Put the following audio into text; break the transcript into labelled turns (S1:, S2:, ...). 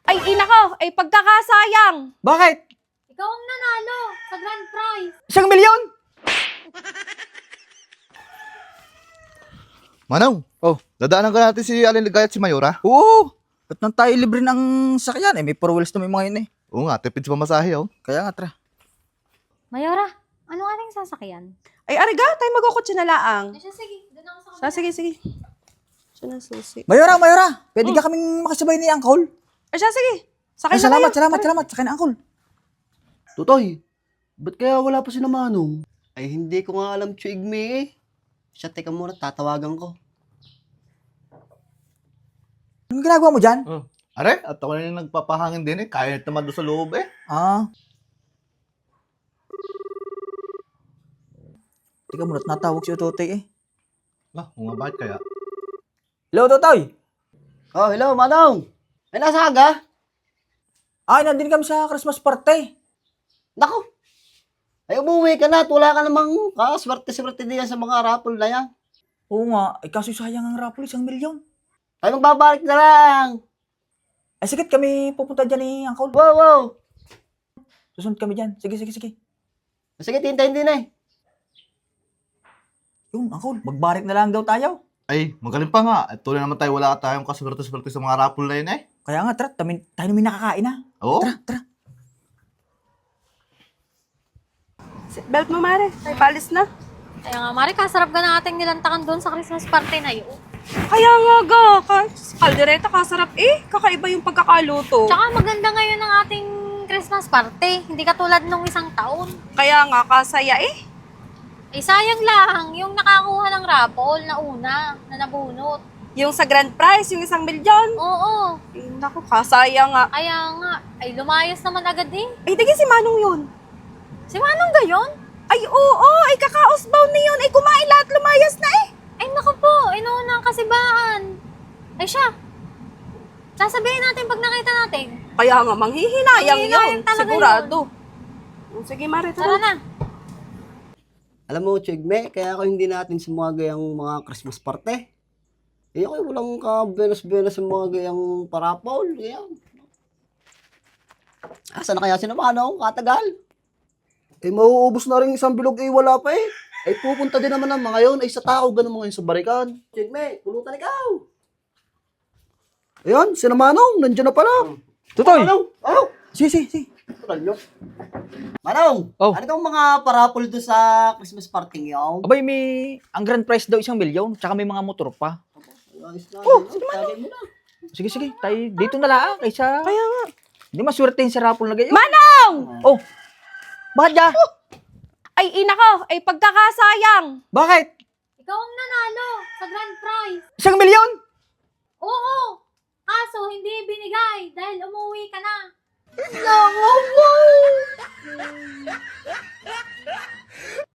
S1: Ay, ina ko! Ay, pagkakasayang!
S2: Bakit?
S3: Ikaw ang nanalo sa grand prize.
S2: 1,000,000?
S4: Manong,
S2: Oh,
S4: dadaanan ka natin si Alin Ligaya at si Mayora.
S2: oo. Ba't nang tayo libre ng sakyan? May 4 wheels na may mga yun eh.
S4: Oo nga, tipid sa pamasahe, oh.
S2: Kaya nga, tara.
S3: Mayora, ano ating sasakyan?
S1: Ay, ariga, tayo magkukutsi na laang.
S3: Ay, siya, sige. Doon ako sa
S1: Siya, sige, sige. Siya na susi.
S2: Mayora, pwede ka kaming makasabay ni Uncle?
S1: Ay, siya, sige. Sakay
S2: Ay,
S1: na
S2: salamat,
S1: kayo.
S2: salamat. Sakay na, Uncle.
S5: Tutoy, ba't kaya wala pa si na Manong? Ay, hindi ko nga alam, Chuigme eh. Siya, teka muna, tatawagan ko.
S2: Anong ginagawa mo dyan?
S4: Are, at ako na yung nagpapahangin din eh. Kaya naman doon sa loob eh.
S2: Ah. Teka muna, natawag si Ototoy eh.
S4: Ah, nga bakit kaya?
S2: Hello, Totoy!
S5: Oh, hello, Manong! Ay, nasa aga?
S2: Ay, nandun kami sa Christmas party.
S5: Naku! Ay, umuwi ka na at wala ka namang kaswerte-swerte diyan sa mga raffle na yan.
S2: Oo nga, ay kaso sayang ang raffle, 1,000,000.
S5: Ay, magbabalik na lang!
S2: Ay, sige, kami pupunta dyan ni Uncle.
S5: Wow, wow!
S2: Susunod kami dyan. Sige.
S5: Sige, tintayin din eh.
S2: Yun, Uncle, magbarik na lang daw tayo.
S4: Ay, magaling pa nga. At tuloy naman tayo, wala tayong kaswerte-swerte sa mga rapol na yun eh.
S2: Kaya nga, tara, tayo namin nakakain na.
S4: Oo.
S2: Tara.
S1: Belt mo, Mare. Ay, palis na.
S3: Kaya nga, Mari, kasarap ka na ating nilantakan doon sa Christmas party na yun.
S1: Kaya nga, ga. Kaldereta, kasarap eh. Kakaiba yung pagkakaluto.
S3: Tsaka maganda ngayon ang ating Christmas party. Hindi katulad nung isang taon.
S1: Kaya nga, kasaya eh.
S3: Eh, sayang lang yung nakakuha ng raffle na una, na nabunot.
S1: Yung sa grand prize, yung 1,000,000.
S3: Oo.
S1: Ay, naku, kasaya nga.
S3: Kaya nga, ay lumayas naman agad eh.
S1: Ay, digi si Manong yun.
S3: Si Manong gayon?
S1: Ay, oo. Ay, kakaosbound na yun. Ay, kumain lahat, lumayas na eh.
S3: Ay, naku po, inuuna ang kasibaan. Ay, siya. Sasabihin natin pag nakita natin.
S1: Kaya nga, manghihinayang
S3: Manghihinayang
S1: yun.
S3: talaga
S1: Sigurado. Sige, Mare,
S3: Tara
S1: tara.
S3: na.
S5: Alam mo, Chuigme, kaya ako hindi natin sumagay ang mga Christmas party. Eh, ako walang ka-benas-benas sa mga gayang parapol. Kaya, asa na kaya si na Manong? Katagal. Eh, mauubos na rin isang bilog eh, wala pa eh. Ay, pupunta din naman ang mga yun. Ay, sa tao, ganun mga yun sa barikan. Chuigme, pulutan ikaw. Ayan, si na Manong, nandiyan na pala.
S2: Totoy!
S5: Manong, oh!
S2: Sige.
S5: Tutal nyo. Manong,
S2: Oh.
S5: ano itong mga parapol doon sa Christmas party ngayon?
S2: Abay, ang grand prize daw 1,000,000, tsaka may mga motor pa.
S5: Ayos na. Oh, sige mo na.
S2: Sige, tayo dito na lang, kaysa...
S1: Kaya nga.
S2: Hindi maswertein sa raffle na gayon.
S1: Manong!
S2: Oh! Bakit ya?
S1: Ay, ina ko! Ay, pagkakasayang!
S2: Bakit?
S3: Ikaw ang nanalo sa grand prize.
S2: 1,000,000?
S3: Oo. Kaso, hindi binigay dahil umuwi ka na.
S5: No,